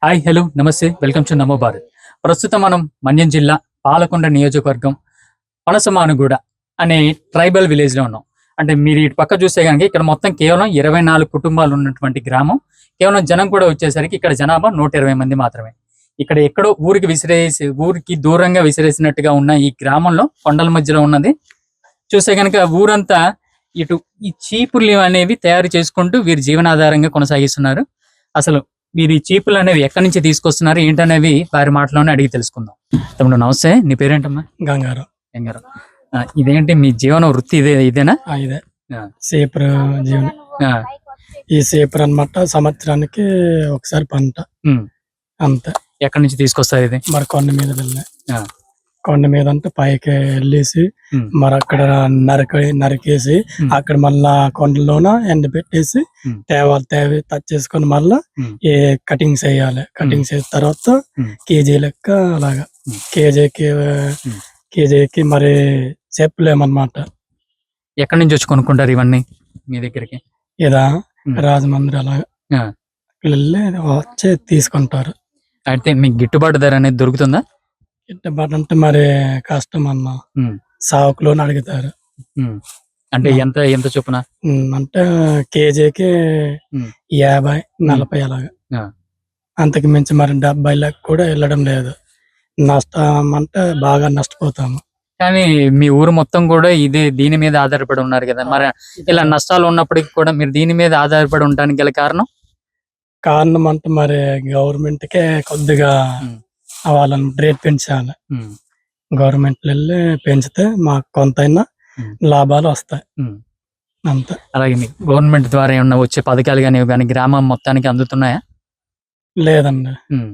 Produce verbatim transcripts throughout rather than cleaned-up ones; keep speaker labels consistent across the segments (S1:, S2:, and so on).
S1: Hi hello నమస్తే welcome to Namo Bharat. ప్రస్తుతం మనం మన్యం జిల్లా పాలకొండ నియోజకవర్గం పనసమానుగూడ అనే ట్రైబల్ విలేజ్ లో ఉన్నాం. అంటే మీరు ఇటు పక్క చూస్తే కనుక ఇక్కడ మొత్తం కేవలం ఇరవై నాలుగు కుటుంబాలు ఉన్నటువంటి గ్రామం. కేవలం జనం కూడా వచ్చేసరికి ఇక్కడ జనాభా నూట ఇరవై మంది మాత్రమే. ఇక్కడ ఎక్కడో ఊరికి విసిరేసి ఊరికి దూరంగా విసిరేసినట్టుగా ఉన్న ఈ గ్రామంలో కొండల మధ్యలో ఉన్నది. చూస్తే కనుక ఊరంతా ఇటు ఈ చీపుర్లు అనేవి తయారు చేసుకుంటూ వీరి జీవనాధారంగా కొనసాగిస్తున్నారు. అసలు మీరు ఈ చీపులు అనేవి ఎక్కడి నుంచి తీసుకొస్తున్నారు ఏంటనేవి వారి మాటలోనే అడిగి తెలుసుకుందాం. తమ్ముడు నమస్తే, నీ పేరేంటమ్మా?
S2: గంగారు.
S1: గంగారు, ఇదేంటి మీ జీవన వృత్తి? ఇదే ఇదేనా?
S2: ఇదే సేపర్ జీవనం. ఈ సేపర్ అన్నమాట సంవత్సరానికి ఒకసారి పంట అంతే.
S1: ఎక్కడి నుంచి తీసుకొస్తారు ఇది?
S2: మరి కొండ మీద వెళ్ళే కొండ మీద అంటే పైకి వెళ్ళేసి మరి అక్కడ నరక నరికేసి అక్కడ మళ్ళా కొండలోన ఎండ పెట్టేసి తేవాలి తేవి టచ్ చేసుకుని మళ్ళా ఏ కటింగ్స్ వేయాలి. కటింగ్స్ వేసిన తర్వాత కేజీ లెక్క అలాగా కేజీకి కేజీకి మరి చెప్పలేమన్నమాట.
S1: ఎక్కడి నుంచి వచ్చి కొనుక్కుంటారు ఇవన్నీ మీ దగ్గరికి?
S2: ఇదా రాజమండ్రి అలాగా వెళ్ళి వచ్చి తీసుకుంటారు.
S1: అయితే మీకు గిట్టుబాటు ధర అనేది దొరుకుతుందా?
S2: గిట్టుబాటు అంటే మరి కష్టం అన్న, సాకులోని అడుగుతారు.
S1: అంటే ఎంత ఎంత చొప్పున
S2: అంటే కేజీకి యాభై నలభై అలాగా. అంతకు మించి మరి డెబ్బై లెక్క కూడా వెళ్ళడం లేదు. నష్టం అంటే బాగా నష్టపోతాము.
S1: కానీ మీ ఊరు మొత్తం కూడా ఇదే దీని మీద ఆధారపడి ఉన్నారు కదా, మరి ఇలా నష్టాలు ఉన్నప్పటికీ కూడా మీరు దీని మీద ఆధారపడి ఉండడానికి గల కారణం?
S2: కారణం అంటే మరి గవర్నమెంట్ కే కొద్దిగా వాళ్ళని రేట్ పెంచాలి. గవర్నమెంట్ వెళ్ళి పెంచితే మాకు కొంతైనా లాభాలు వస్తాయి అంతే.
S1: అలాగే గవర్నమెంట్ ద్వారా ఏమన్నా వచ్చే పథకాలు కానీ కానీ గ్రామం మొత్తానికి అందుతున్నాయా?
S2: లేదండి,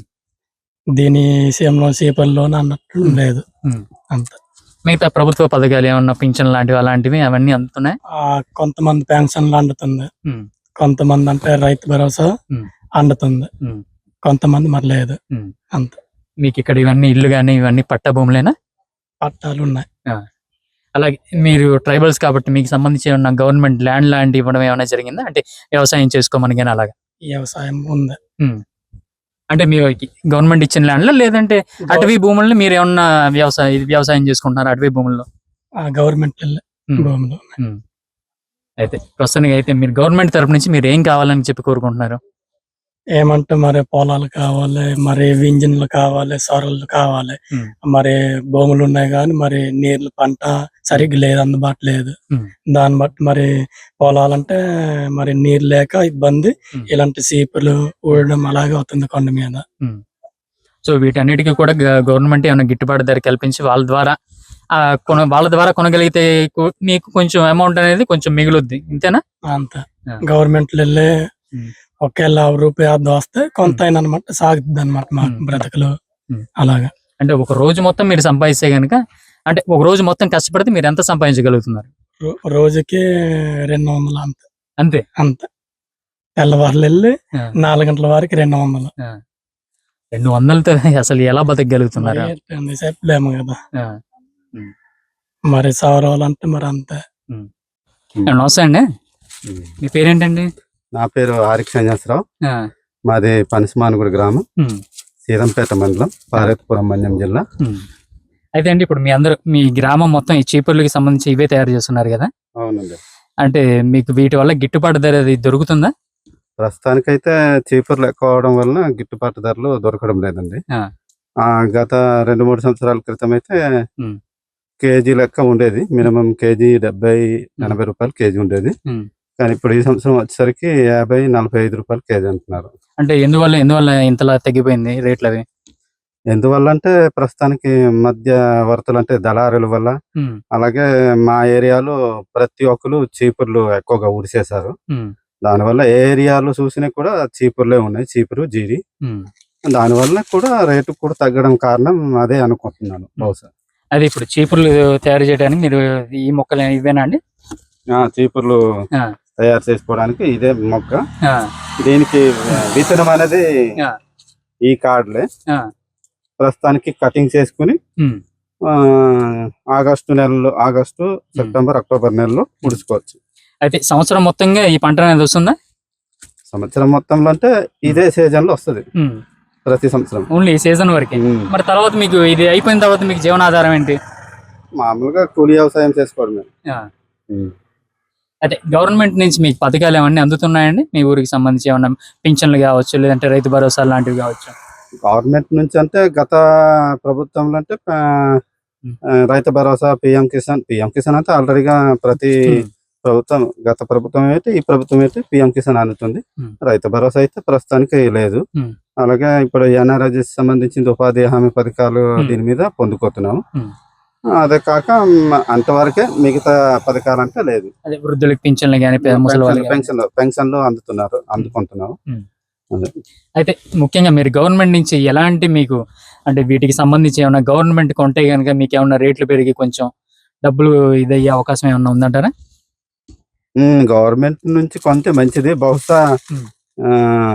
S2: దీని విషయంలో చేపల్లో అన్నట్టు లేదు అంతే.
S1: మిగతా ప్రభుత్వ పథకాలు ఏమన్నా పింఛన్ లాంటివి అలాంటివి అవన్నీ అందుతున్నాయి.
S2: కొంతమంది పెన్షన్లు అందుతుంది, కొంతమంది అంటే రైతు భరోసా అందుతుంది, కొంతమంది మరి లేదు అంతే.
S1: మీకు ఇక్కడ ఇవన్నీ ఇల్లు కానీ ఇవన్నీ పట్టా భూములేనా?
S2: పట్టాలు ఉన్నాయి.
S1: అలాగే మీరు ట్రైబల్స్ కాబట్టి మీకు సంబంధించి ఏమన్నా గవర్నమెంట్ ల్యాండ్ ల్యాండ్ ఇవ్వడం ఏమైనా జరిగిందా? అంటే వ్యవసాయం చేసుకోమని కానీ అలాగా?
S2: వ్యవసాయం ఉంది.
S1: అంటే మీరు గవర్నమెంట్ ఇచ్చిన ల్యాండ్లో లేదంటే అటవీ భూములను మీరు ఏమన్నా వ్యవసాయం వ్యవసాయం చేసుకుంటున్నారు అటవీ భూముల్లో?
S2: గవర్నమెంట్ భూములు.
S1: అయితే ప్రస్తుతానికి అయితే మీరు గవర్నమెంట్ తరపు నుంచి మీరు ఏం కావాలని చెప్పి కోరుకుంటున్నారు?
S2: ఏమంటే మరి పొలాలు కావాలి, మరి ఇంజిన్లు కావాలి, సొరలు కావాలి, మరి భూములు ఉన్నాయి కానీ మరి నీళ్ళు పంట సరిగ్గా లేదు, అందుబాటు లేదు. దాన్ని బట్టి మరి పొలాలంటే మరి నీరు లేక ఇబ్బంది, ఇలాంటి సీపులు ఊడడం అలాగే అవుతుంది కొండ మీద.
S1: సో వీటన్నిటికీ కూడా గవర్నమెంట్ ఏమైనా గిట్టుబాటు ధర కల్పించి వాళ్ళ ద్వారా కొన వాళ్ళ ద్వారా కొనగలిగితే మీకు కొంచెం అమౌంట్ అనేది కొంచెం మిగులుద్ది, ఇంతేనా?
S2: అంతే. గవర్నమెంట్ వెళ్ళి ఒకేళ్ళ రూపాయి అర్ధ వస్తే కొంత అయినా అనమాట సాగుతుంది అనమాట మా బ్రతకలు అలాగా.
S1: అంటే ఒక రోజు మొత్తం మీరు సంపాదిస్తే గనుక, అంటే ఒక రోజు మొత్తం కష్టపడితే మీరు ఎంత సంపాదించగలుగుతున్నారు?
S2: రోజుకి రెండు వందలు అంతే.
S1: అంతే
S2: అంతే. తెల్లవారులు వెళ్ళి నాలుగు గంటల వరకు రెండు వందలు.
S1: రెండు వందలతో అసలు ఎలా బతకగలుగుతున్నారు?
S2: చెప్పలేము కదా మరి. సౌరవాలంటే మరి అంతే.
S1: నమస్తే అండి, మీ పేరేంటండి?
S3: నా పేరు ఆరిక్ సంజాసరావు, మాది పనసమానుగూడ గ్రామం, సీరంపేట మండలం, పార్వతీపురం, మన్యం జిల్లా.
S1: అయితే అండి ఇప్పుడు మీ అందరూ మీ గ్రామం మొత్తం ఈ చీపుర్లకి సంబంధించి ఇవే తయారు చేస్తున్నారు కదా?
S3: అవునండి.
S1: అంటే మీకు వీటి వల్ల గిట్టుబాటు ధర దొరుకుతుందా?
S3: ప్రస్తుతానికైతే చీపుర్లు ఎక్కువ అవడం వలన గిట్టుబాటు ధరలు దొరకడం లేదండి. గత రెండు మూడు సంవత్సరాల క్రితం అయితే కేజీ లెక్క ఉండేది, మినిమం కేజీ డెబ్బై ఎనభై రూపాయలు కేజీ ఉండేది. కానీ ఇప్పుడు ఈ సంవత్సరం వచ్చేసరికి యాభై నలభై ఐదు రూపాయలు కేజీ అంటున్నారు.
S1: అంటే ఎందువల్ల ఎందువల్ల ఇంతలా తగ్గిపోయింది రేట్లు అవి?
S3: ఎందువల్ల అంటే ప్రస్తుతానికి మధ్యవర్తులు అంటే దళారుల వల్ల, అలాగే మా ఏరియాలో ప్రతి ఒక్కరు చీపుర్లు ఎక్కువగా ఊడిసేశారు. దానివల్ల ఏ ఏరియాలో చూసినా కూడా చీపుర్లే ఉన్నాయి, చీపురు జీరి. దానివల్ల కూడా రేటు కూడా తగ్గడం కారణం అదే అనుకుంటున్నాను బహుశా.
S1: అది ఇప్పుడు చీపుర్లు తయారు చేయడానికి మీరు ఈ మొక్కలు ఇవేనా అండి?
S3: చీపుర్లు తయారు చేసుకోవడానికి ఇదే మొక్క. దీనికి విత్తనం అనేది ఈ కార్డులే. ప్రస్తుతానికి కటింగ్ చేసుకుని ఆగస్టు నెలలో ఆగస్టు సెప్టెంబర్ అక్టోబర్ నెలలో ముడుచుకోవచ్చు.
S1: అయితే సంవత్సరం మొత్తంగా ఈ పంట అనేది వస్తుందా?
S3: సంవత్సరం మొత్తంలో అంటే ఇదే సీజన్ లో వస్తుంది. ప్రతి సంవత్సరం.
S1: ఓన్లీ సీజన్ వరకే.
S3: ఉమ్.
S1: మరి తర్వాత మీకు ఇది అయిపోయిన తర్వాత మీకు జీవనాధారం ఏంటి?
S3: మామూలుగా కూలి వ్యవసాయం చేసుకోవడమే.
S1: ఆ.
S3: ఉమ్.
S1: అదే గవర్నమెంట్ నుంచి మీకు పథకాలు ఏమన్నా అందుతున్నాయండి మీ ఊరికి సంబంధించి? ఏమన్నా పింఛన్లు కావచ్చు, లేదంటే రైతు భరోసా లాంటివి కావచ్చు?
S3: గవర్నమెంట్ నుంచి అంటే గత ప్రభుత్వంలో అంటే ఆ,
S1: ఉమ్.
S3: ఆ, రైతు భరోసా, పిఎం కిసాన్ పిఎం కిసాన్ అయితే ఆల్రెడీగా ప్రతి
S1: ఉమ్.
S3: ప్రభుత్వం, గత ప్రభుత్వం అయితే ఈ ప్రభుత్వం అయితే పిఎం కిసాన్ అందుతుంది.
S1: ఉమ్.
S3: రైతు భరోసా అయితే ప్రస్తుతానికి లేదు.
S1: ఉమ్.
S3: అలాగే ఇప్పుడు ఎన్ఆర్ఎస్ సంబంధించిన ఉపాధి హామీ పథకాలు
S1: ఉమ్.
S3: దీని మీద పొందుకోతున్నాము.
S1: ఉమ్.
S3: అదే కాక మ్, అంతవరకే, మిగతా పథకాలు అంటే లేదు.
S1: అదే వృద్ధులకు పింఛన్లు కానీ ముసలి వాళ్ళకి గానీ.
S3: పెన్షన్ పెన్షన్లు అందుతున్నారు, అందుకుంటున్నాము.
S1: ఉమ్.
S3: అదే.
S1: అయితే ముఖ్యంగా మీరు గవర్నమెంట్ నుంచి ఎలాంటి మీకు అంటే వీటికి సంబంధించి ఏమైనా గవర్నమెంట్ కొంటే కనుక మీకు ఏమైనా రేట్లు పెరిగి కొంచెం డబ్బులు ఇదయ్యే అవకాశం ఏమైనా ఉందంటారా?
S3: ఉమ్, గవర్నమెంట్ నుంచి కొంటే మంచిది. బహుశా
S1: ఉమ్.
S3: ఆ,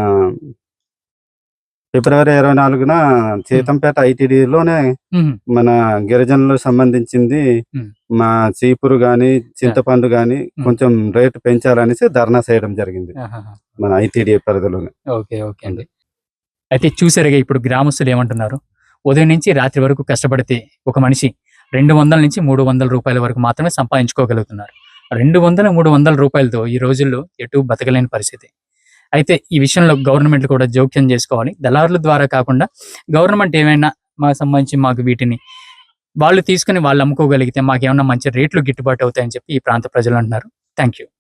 S3: ఫిబ్రవరి ఇరవై నాలుగున సీతంపేట ఐటీడీలోనే
S1: ఉమ్.
S3: మన గిరిజనులకు సంబంధించింది
S1: ఉమ్.
S3: మా చీపురు గాని చింతపండు గాని
S1: ఉమ్.
S3: కొంచెం రేటు పెంచాలనేసి ధర్నా చేయడం జరిగింది
S1: ఆహాహా.
S3: మన ఐటీడీ పరిధిలోనే.
S1: ఓకే ఓకే అండి. అయితే చూసారుగా ఇప్పుడు గ్రామస్తులు ఏమంటున్నారు? ఉదయం నుంచి రాత్రి వరకు కష్టపడితే ఒక మనిషి రెండు వందల నుంచి మూడు వందల రూపాయల వరకు మాత్రమే సంపాదించుకోగలుగుతున్నారు. రెండు వందల మూడు వందల రూపాయలతో ఈ రోజుల్లో ఎటు బతకలేని పరిస్థితి. అయితే ఈ విషయంలో గవర్నమెంట్ కూడా జోక్యం చేసుకోవాలి. దళారుల ద్వారా కాకుండా గవర్నమెంట్ ఏమైనా మాకు సంబంధించి మాకు వీటిని వాళ్ళు తీసుకుని వాళ్ళు అమ్ముకోగలిగితే మాకు ఏమైనా మంచి రేట్లు గిట్టుబాటు అవుతాయని చెప్పి ఈ ప్రాంత ప్రజలు అంటున్నారు. Thank you.